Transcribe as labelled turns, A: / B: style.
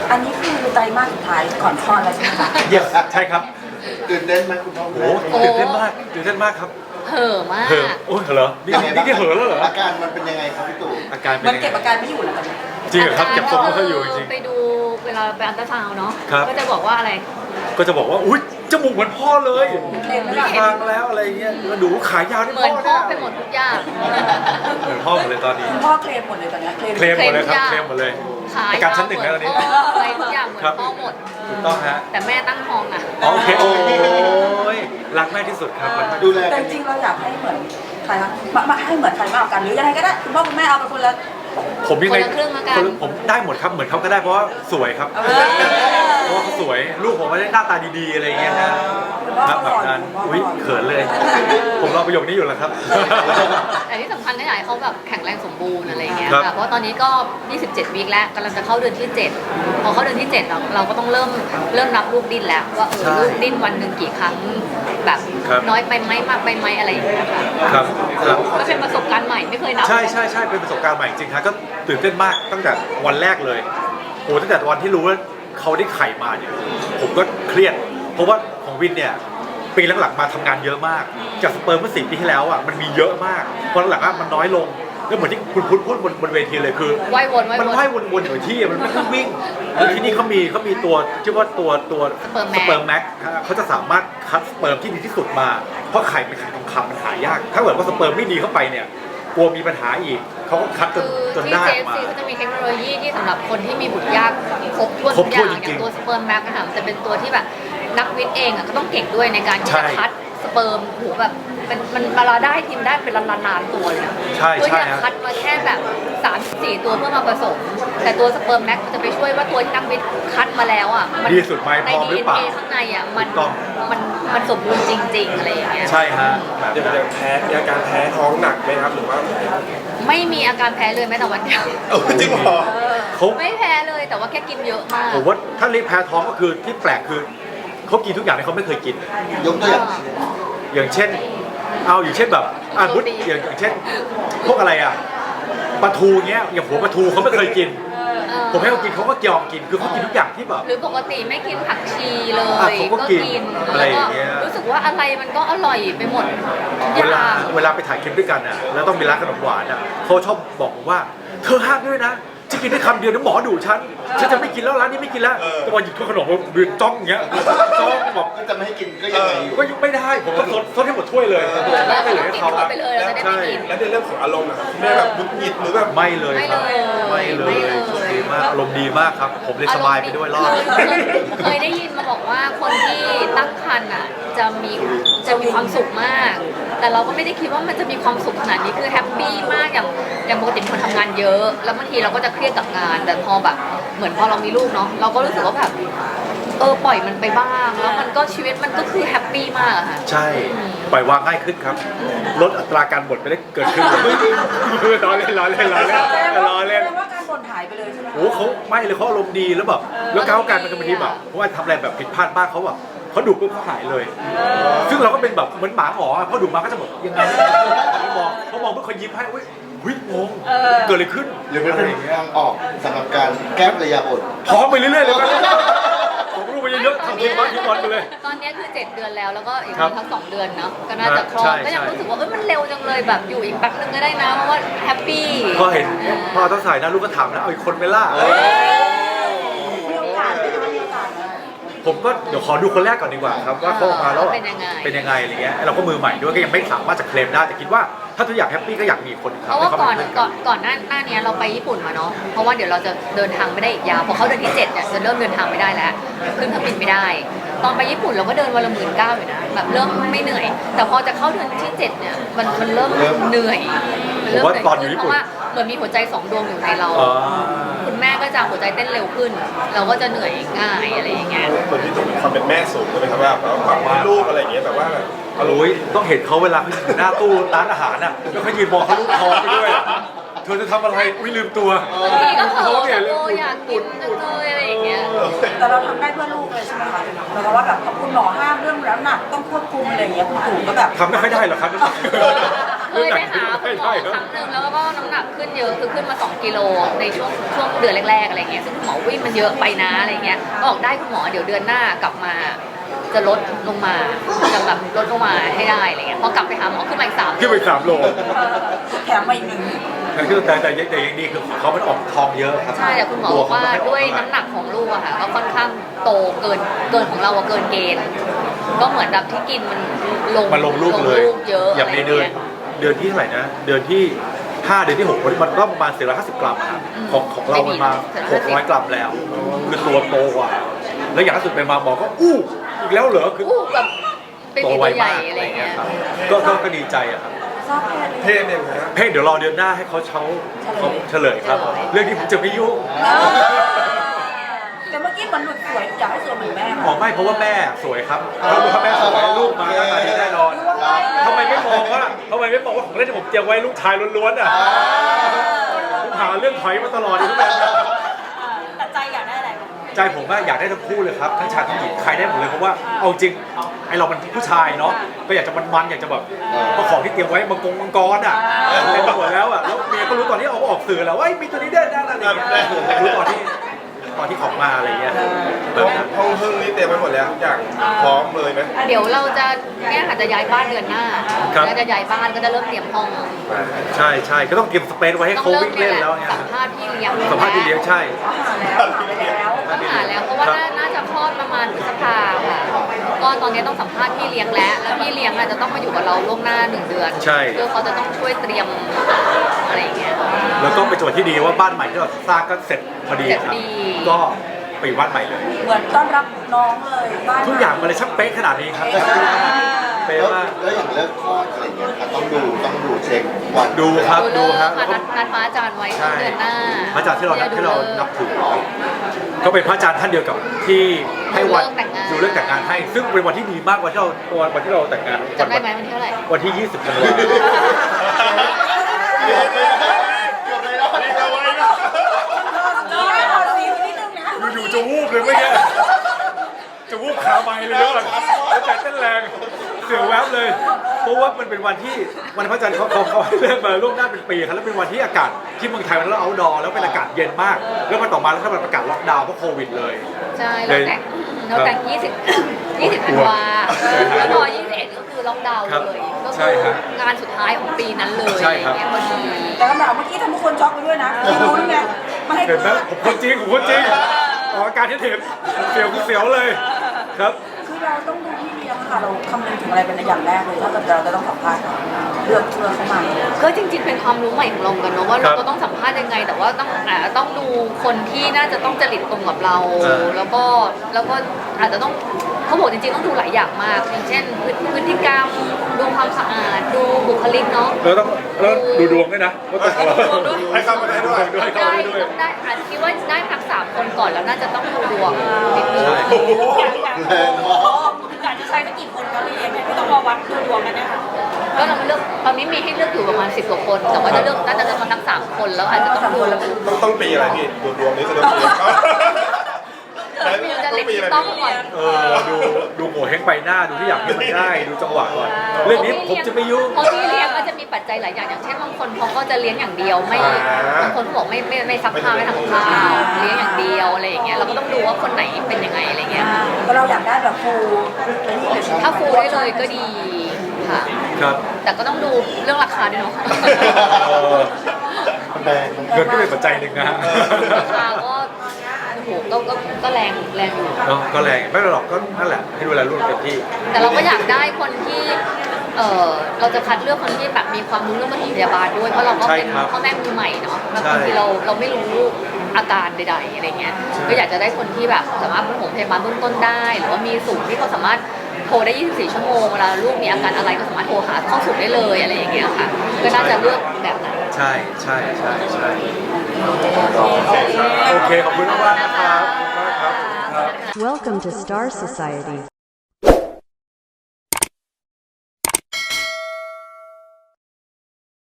A: อันนี้คือไตรมาสสุดท้ายก่อนคลอดแล้วใช่ไหมคะ
B: yes ใช่ครับ
C: ตื่นเต้นไหมคุณพ่อ
B: โอ้โหตื่นเต้นมากตื่นเต้นมากครับ
D: เห่อะมาก
B: เห่อโอ้ยเหรอนี่นี่เห่อแล้วเหรอ
C: อาการมันเป็นยังไงครับพี่ตู่
B: อาการเป็น
A: มัน
B: ยังไง
A: เก็บอาการไม่อยู่แล้วตอนนี้
B: จริงเหรอครับเก็บทรงไม่ค่อยอยู่จริง
D: ไปดูเวลาไปอัลตราซาวน์เนาะ
B: ครับ
D: ก็จะบอกว่าอะไร
B: ก็จะบอกว่าอุ้ยจมูกเหมือนพ่อเลย
A: เคลมไม่
B: มี
A: ได้
B: คางแล้วอะไรเงี้ยแล้วดูขายาวนี่
D: เหมือนพ่อ
B: เนี่ย
D: ไปหมดทุกอย่าง
B: เหมือนพ่อหมดเลยตอนนี้
A: คุณพ่อเคลมหมดเลยตอนนี้เคลม
B: เคลมหมดเลยครับ
D: เค
B: เค
D: ล
B: ล
D: ม
B: ม
D: ทุ
B: หม
D: ก
B: ด
D: อ
B: เล
D: ย่าง
B: ยขายการชั้นหนึ่งแล้วตอนนี้
D: อะไรทุกอย่างเหมือน
B: ครับ
D: พ่อหมด
B: ถูกต้องฮะ
D: แต่แม่ตั้งท้องอ่ะ
B: โอเคโอ้ยรักแม่ที่สุดครับรักแม่
C: ดูแล
A: แต่
C: กัน
A: จริงๆเราอยากให้เหมือนใครคะมาให้เหมือนใครมากกว่ากันหรือยังไงก็ได้คุณพ่อคุณแม่เอาไปคนละ
B: ผมยังไง
D: คนละครึ่งละกัน
B: ผมได้หมดครับเหมือนเขาก็ได้เพราะว่าสวยครับ เพราะว่าเขาสวยลูกผมไม่ได้หน้าตาดีๆอะไรอย่างเงี้ยนะ
A: คุณพ่อ
B: ครับ
A: เขา
B: แบบ
A: หล่อ
B: นั้น
A: คุณพ่อ
B: อุ้ย
A: เขาหล่อ
B: เขินเลย ผมรอประโยคนี้อยู่แล้วครับ
D: แต่ที่สำคัญก็อยากให้เขาแบบแข็งแรงสมบูรณ์อะไรเงี้ย
B: ครับ
D: ค่ะเพราะว่าตอนนี้ก็ 27 วีคแล้วกำลังจะเข้าเดือนที่ 7 พอเข้าเดือนที่ 7 เราก็ต้องเริ่มนับลูกดิ้นแล้วว่าลูกดิ้นวันหนึ่งกี่ครั้งแบบน้อยไปไหมมากไปไหมอะไรอย่างเงี้ยค่ะ
B: ครับครับ
D: ก็เป็นประสบการณ์ใหม่ไม่เคยนับ
B: ใช่ใช่ใช่เป็นประสบการณ์ใหม่จริงๆครับก็ตื่นเต้นมากตั้งแต่วันแรกเลยโอ้ตั้งแต่วันที่รู้ว่าเขาได้ไข่มาเนี่ยผมก็เครียด เพราะว่าของวินเนี่ยปีหลังๆมาทำงานเยอะมากจากสเปิร์มเมื่อ4 ปีที่แล้วอ่ะมันมีเยอะมากพอหลังๆมันน้อยลงก็เหมือนที่คุณพูดบนเวทีเลยคือ
D: ว่ายวน
B: มันว่ายวนๆอยู่ที่มันไม่ต้องวิ่งแล้วที่นี่เขามีตัวชื่อว่าตัวสเปิร์มแม็กเขาจะสามารถคัดสเปิร์มที่ดีที่สุดมาเพราะไข่เป็นไข่ทองคำมันหายาก ถ้าเกิดว่าสเปิร์มไม่ดีเข้าไปเนี่ยกลัวมีปัญหาอีกเขาก็คัดจ
D: คื
B: น
D: อ
B: จน
D: ที่
B: ได้ออกมา
D: JFC เขาจะมีเทคโนโลยีที่สำหรับคนที่มีบุตรยากครบถ้วน
B: คร
D: ทุ
B: บ
D: กอ
B: ถ้วน
D: ย่าง
B: จริงๆ
D: อย่างตัวสเปิร์มแม็กนะคะมันจะเป็นตัวที่แบบนักวิทย์เองอ่ะก็ต้องเก่งด้วยในการที่
B: ใช่
D: จะคัดสเปิร์มโหแบบมันเวลาได้ทีมได้เป็นล้านๆตัวเลยนะ
B: ใช่
D: เพื่อ
B: ใช่
D: ที่จะ
B: ฮะ
D: คัดมาแค่แบบ3-4 ตัวเพื่อมาผสม แต่ตัวสเปิร์มแม็กมันจะไปช่วยว่าตัวที่นักวิทย์คัดมาแล้วอ่ะมั
B: ดีสุดไหม
D: ใน
B: พร้อมหรือเปล่า
D: DNA ข้างในอ่ะมัน
B: ถูกต้อง
D: มันสมบูรณ์จริง ๆอะไรอย่างเงี้ย
B: ใช่ฮะแบบ
E: ยังแพ้มีอาการแพ้ท้องหนักไหมครับหรือว่า
D: ไม่มีอาการแพ้เลยแม้แต่วันเดียว
E: จริงเหรอ
B: เขา
D: ไม่แพ้เลยแต่ว่าแค่กินเยอะมาก
B: ผมว่าถ้าเรียกแพ้ท้องก็คือที่แปลกคือเขากินทุกอย่างที่เขาไม่เคยกิน
C: ยกตัวอย่าง
B: อย่างเช่นอย่างเช่นแบบพุทอย่างเช่น พวกอะไรอ่ะปลาทูเงี้ยอย่างหัวปลาทูเขาไม่เคยกิน ผมให้เขากินเขาก็ยอมกินคือเขากินทุกอย่างที่แบบ
D: หรือปกติไม่กินผักชีเลย
B: เขาก็กินอะไร
D: แล้ว
B: อ
D: ก็
B: ย่างเงี้ย
D: รู้สึกว่าอะไรมันก็อร่อยไปหมดทุกอ
B: เวลา
D: ย่าง
B: เวลาไปถ่ายคลิปด้วยกันอ่ะแล้วต้องมีร้านขนมหวานอ่ะเขาชอบบอกผมว่าเธอห้ามด้วยนะจะกินได้คำเดียวนะหมอดุฉันจะไม่กินแล้วร้านนี้ไม่กินแล้วแต่วันหยิบถ้วยขนมมายืนจ้องอย่างเงี้ยจ้องแบบ
C: ก็จะไม่ให้กินก็ยังไงอยู่
B: ก็ไม่ได้ผมต้องซดให้หมดถ้วยเลย
D: แล้ว
B: ไม่
D: ก็
B: เหลือให้
D: กิน
B: เขา
D: เข้าไปเลยเราจะได้ไม่กิน
E: แล้วในเรื่องของอารมณ์นะครับคุณแม่แบบหงุดหงิดหรือแบบ
B: ไม่เลยครับ
D: ไม่เลย
B: โชคดีมากอารมณ์ดีมากครับ ผมเลยสบายไปด้วยรอด
D: เคยได้ยินมาบอกว่าคนที่ตั้งครรภ์อ่ะจะมีความสุขมาก แต่เราก็ไม่ได้คิดว่ามันจะมีความสุขขนาดนี้คือแฮปปี้มากอย่างปกติเป็นคนทำงานเยอะ แล้วบางทีเราก็จะเครียดกับงาน แต่พอแบบเหมือนพอเรามีลูกเนาะเราก็รู้สึกว่าแบบปล่อยมันไปบ้าง แล้วมันก็ชีวิตมันก็คือแฮปปี้มากอะค่ะ
B: ใช่ปล่อยวางง่ายขึ้นครับ ลดอัตราการบ่นไปได้เกิดขึ้นเลยล้อเล่นล้อเล่นล้อเล่น
A: แสดงว่า
B: ล้อเล่น
A: แสดงว่าการบ่นหายไปเลยใช่ไหมคะ
B: โอ้เขาไม่เลยเขาอารมณ์ดีแล้วแบบแล้วก้าวการเป็นบางทีแบบเพราะว่าทำอะไรแบบผิดพลาดบ้างเขาแบบเขาดุปุ๊บเขาหายเลย ซึ่งเราก็เป็นแบบเหมือนหมาหมอพอดุมาก็จะแบบยังไงเขามองเพื่อเขายิ้มให้อุ้ยงงเกิดอะไรขึ้น
C: หรือมัน
B: อะไร
C: เป็น
B: อย่างเงี้ย
C: ทางออกสำหรับการแก้ภรรยาบ่น
B: ท้องไปเรื่อยๆเลยครับผมรู้ไปเยอะๆทำทีมบ้านทีมบอลไปเลย
D: ตอนนี้คือ7 เดือนแล้วแล้วก็อีก
B: ครับ
D: ทั้ง2 เดือนเนาะก็น่าจะคลอ
B: ใช่
D: ดก็ยัง
B: ใช่
D: รู้สึกว่ามันเร็วจังเลยแบบอยู่อีกแป๊บนึงก็ได้นะเพราะว่าแฮปปี้
B: พอเห็นพอต้องใส่นะลูกก็ถามนะเอาอีกคนไหมล่ะ
A: มีโอกาสไหมคะมีโอกาสไหม
B: ผมก็เดี๋ยวขอดูคนแรกก่อนดีกว่าครับว่าเขาออกมาแล้ว
D: เป็นยังไง
B: เป็นยังไงอะไรเงี้ยเราก็มือใหม่ด้วยก็ยังไม่สามารถจะเคลมได้แต่คิดว่าถ้าทุกอย่างแฮปปี้ก็อยากมีคนค
D: เพ
B: รับ
D: ราะว่า
B: ให้
D: ก่อน
B: เป็เพื่
D: ก่อนหน้านี้เราไปญี่ปุ่นมาเนาะเพราะว่าเดี๋ยวเราจะเดินทางไม่ได้อีกยาวพอเขาเดือนที่7เนี่ยจะเริ่มเดินทางไม่ได้แล้วขึ้นเครื่องบินไม่ได้ ตอนไปญี่ปุ่นเราก็เดินวันละ19,000อยู่นะแบบเริ่มไม่เหนื่อย แต่พอจะเข้าเดือนที่7เนี่ยมันเริ่มเหนื่อยมันเริ่มเหนื่อยขึ้นเพราะว่าเหมือนมีหัวใจ2 ดวงอยู่ในเรา
B: อ๋อ
D: คุณแม่ก็จะหัวใจเต้นเร็วขึ้น เราก็จะเหนื่อยง่ายอะไรอย่างเงี้ย
E: เหมือนที่ต้องมีความเป็นแม่สูงใช่ไหมครับว่าแบบว่าลูกอะไรอย่างเงี้ยแต่ว่าแบบ
B: โอ้ยต้องเห็นเขาเวลาเขาอยู่หน้าตู้ร้านอาหารน่ะแล้วเขายืนมองเขาลูกท้องไปด้วยเธอจะทำอะไรอุ้ยลืมตัว
D: บางทีก็เผลอ
B: เนี่ย
D: แบบอยากกินจังเลยอะไรอย่างเงี้ย
A: แต่เราทำได้เพื่อลูกเลยใช่ไหมคะหมายความว่าแบบคุณหมอห้ามเรื่องน้ำหนักต้องควบคุมอะไรอย่างเงี้ยคุณตู่ก็แบบ
B: ทำไม่ค่อยได้หรอกครับ
D: เคยไปหาคุณหมอครั้งหนึ่งแล้วก็น้ำหนักขึ้นเยอะคือขึ้นมา2 กิโลในช่วงเดือนแรกๆอะไรเงี้ยซึ่งคุณหมอวิ่งมันเยอะไปนะอะไรเงี้ยบอกได้คุณหมอเดี๋ยวเดือนหน้ากลับมาจะลดลงมาจะแบบลดลงมาให้ได้อะไรเงี้ยพอกลับไปหาหมอขึ้นมาอีก3
B: ขึ้นไป3 โล
A: แถมมาอีกหนึ่ง
B: แต่ยังดีคือเขามันออกทองเยอะครับ
D: ใช่แต่คุณหมอบอกว่าด้วยน้ำหนักของลูกอะค่ะก็ค่อนข้างโตเกินของเราอะเกินเกณฑ์ก็เหมือนแบบที่กินมันลง
B: ลูกเลย
D: เยอะ
B: อย่างในเดือนที่เท่าไหร่นะเดือนที่5เดือนที่6มันก็ประมาณ450 กรัมครับของเรามันมา600 กรัมแล้วคือตัวโตกว่าแล้วอย่างล่าสุดไปมาหมอก็อู้อีกแล้วเหรอคือ
D: แบบเป็น
B: โต
D: ตัว
B: ไว
D: ใหญ่
B: มาก
D: อะไรเงี้ย
B: ครับก็ดีใจอะครับ
A: ทราบแพทย์เลย
E: เทศเนี่ยนะ
B: เพ่งเดี๋ยวรอเดือนหน้าให้เขาเฉลยครับ เรื่องที่ผมจะไม่ยุ่ง
A: แต่เมื่อกี้มันหลุดสวยอยากให้สวยเหมือนแม่
B: อ๋อไม่เพราะว่าแม่สวยครับถ้าแม่สวยลูกมาหน้าตาดีแน่นอนทำไมไม่มองว่าของเล่นที่ผมเตรียมไว้ลูกชายล้วนๆอ่ะผมหาเรื่องถอยมาตลอดอยู่ทุกแบบ
A: แต่ใจอยากได้อะไร
B: ใจผมว่าอยากได้ทั้งคู่เลยครับทั้งชายทั้งหญิงใครได้หมดเลยเพราะว่าเอาจริงไอเรามันผู้ชายเนาะก็อยากจะมันอยากจะแบบเพราะของที่เตรียมไว้มังกรอ่ะเต็มไปหมดแล้วอ่ะแล้วเมียก็รู้ตอนที่เอาออกสื่อแล้วว่ามีตัวนี้ได้นะอะไรอย่างเงี้ยรู้ตอนที่ของมาอะไรเงี้ยแบบนั้น
E: ห้องพึ่งนี่เต็มไปหมดแล้วทุกอย่างพร้อมเลยไหม
D: เดี๋ยวเราจะเนี่ยค่ะจะย้ายบ้านเดือนหน้าแล้วจะย้ายบ้านก็จะเริ่มเตรียมห้อง
B: ใช่ก็ต้องเก็บสเปซไว้ให้
D: ต้อง
B: เขา
D: เริ่ม
B: วิ่ง
D: เนี่
B: เล่
D: ย
B: น
D: แหละ
B: แล้วไง
D: สัมภาษณ์พี่เลี้ยง
B: สัมภาษณ์ที่เลี้ยงใช่
D: ต้องหาแล้วเพราะว่าน่าจะคลอดประมาณพฤษภาค่ะก็ตอนนี้ต้องสัมภาษณ์พี่เลี้ยงแล้วพี่เลี้ยงอาจจะต้องมาอยู่กับเราล่วงหน้า1 เดือน
B: ใช่
D: เพื่อเขาจะต้องช่วยเตรียมอะไรอย่างเงี้ย
B: แล้วก็เป็นจังหวะที่ดีว่าบ้านใหม่ที่เราสร้างก็เสร็จพอดีครับก็ไปอยู่บ้านใหม่เลย
A: เหมือนต้อนรับน้องเลยบ้าน
B: ทุกอย่างมันเลยช่างเป๊ะขนาดนี้ครับเป๊ะ
C: แล้ว
B: มาก
C: แล้วอย่างเลิกคลอดอะไรเงี้ยครับต้องดูเช็ควัน
B: ดูครับ
D: ดูค่ะนัดพระอาจารย์ไว้ต้นเดือนหน้า
B: พระอาจารย์ที่เรานับถือก็เป็นพระอาจารย์ท่านเดียวกับที่ให้วันดูเรื่องแต่งงานให้ ซึ่งเป็นวันที่ดีมากวันที่เราแต่งงาน
D: จำได้ไหมวันที่เท่าไหร่
B: วันที่ 20 กันยายน อยู่ๆจะวูบเลยเมื่อกี้จะวูบขาไม้เลยเยอะแล้วใจเต้นแรงเสียวแวบเลย เพราะว่ามันเป็นวันที่วันพระจันทร์เขาให้เลื่อนมาล่วงหน้าเป็นปีครับแล้วเป็นวันที่อากาศที่เมืองไทยมันแล้วเอาท์ดอร์แล้วเป็นอากาศเย็นมากแล้วมาต่อมาแล้วถ้ามันประกาศล็อกดาวน์เพราะโควิดเลย
D: ใช่เราแต่ง20ธันวาแล้วพอ21ก็คือล็อกดาวน์เลยก็คืองานสุดท้ายของปีนั้นเลยเนี่ยพอดี
A: แต่คำถามเมื่อกี้ทำทุกคนช็อกไปด้วยนะไม่รู้ไงไม่ให้
B: เห็นไหมผมคนจริงออกอาการที่เห็นเสียวคือเสียวเลยครับ
A: คือเราต้องดูพี่เลี้ยงค่ะเราคำนึงถึงอะไรเป็นอย่างแรกเลยถ้าเกิดเราจะต้องสัมภาษณ์เลือกเข้ามา
D: ก็จริงๆเป็นความรู้ใหม่ของเราเหมือนกันเนาะว่าเราก็ต้องสัมภาษณ์ยังไง แต่ว่าต้องดูคนที่น่าจะต้องจริตตรงกับเรา แล้วก็อาจจะต้องเขาบอกจริงๆต้องดูหลายอย่างมาก อย่างเช่นพฤติกรรมดูความสะอาดดูบุคลิกเนาะ
B: แล้วดูดวงด้วยนะว่าตัวเรา
E: ให้เข้ามาได้ด้วย
D: ได้อาจคิดว่าได้พัก3 คนก่อนแล้วน่าจะต้องดูดวงนิดนึง
A: อยากจะใช้สักกี่คนก็เรียนไม่ต้องมาวัดดูดวงกันนะคะ
D: ก็เราเลือกตอนนี้มีให้เลือกอยู่ประมาณ10 กว่าคน แต่ว่าน่าจะเลือกมาทั้ง3 คนแล้วอาจจะต้องดู
E: ต้องปีอะไรพี่ดูดวงนี้คือต้องปี
D: จะเล็กต้องก่อน
B: ดูโง่เฮงไปหน้าดูที่อยากให้มันได้ดูจังหวะก่อนเรื่องนี้ผมจะไม่ยุ่ง
D: เพราะที่เลี้ยงก็จะมีปัจจัยหลายอย่างอย่างเช่นบางคนเขาก็จะเลี้ยงอย่างเดียวไม่บางคนเขาบอกไม่ซักผ้าไม่ทำข้าวเลี้ยงอย่างเดียวอะไรอย่างเงี้ยเราก็ต้องดูว่าคนไหนเป็นยังไงอะไรเงี้ย
A: ก็เราอยากได้แบบฟูนี่เลย
D: ถ้าฟูได้เลยก็ดีค่ะ
B: ครับ
D: แต่ก็ต้องดูเรื่องราคาด้วยเนาะ
C: แบง
B: เงินก็เป็นปัจจัยหนึ่งนะฮะ
D: ราคาก็โอ้โหก็แรงอยู่
B: เนาะก็แรงไม่เป็นไรหรอกก็นั่นแหละให้ดูแลลูกเต็มที่
D: แต่เราก็อยากได้คนที่เราจะคัดเลือกคนที่แบบมีความรู้เรื่องปฐมพยาบาลด้วยเพราะเราก็เป็นพ่อแม่มือใหม่เนาะแล้วบางทีเราไม่รู้อาการใดๆอะไรเงี้ยก็อยากจะได้คนที่แบบสามารถปฐมพยาบาลเบื้องต้นได้หรือว่ามีศูนย์ที่เขาสามารถโทรได้24 ชั่วโมงเวลาลูกมีอาการอะไรก็สามารถโทรหาเข้าศูนย์ได้เลยอะไรอย่างเงี้ยค่ะก็น่าจะเลือกแบบนั้น
B: ใช่โอเคขอบคุณมากนะครับ
F: Welcome to Star Society.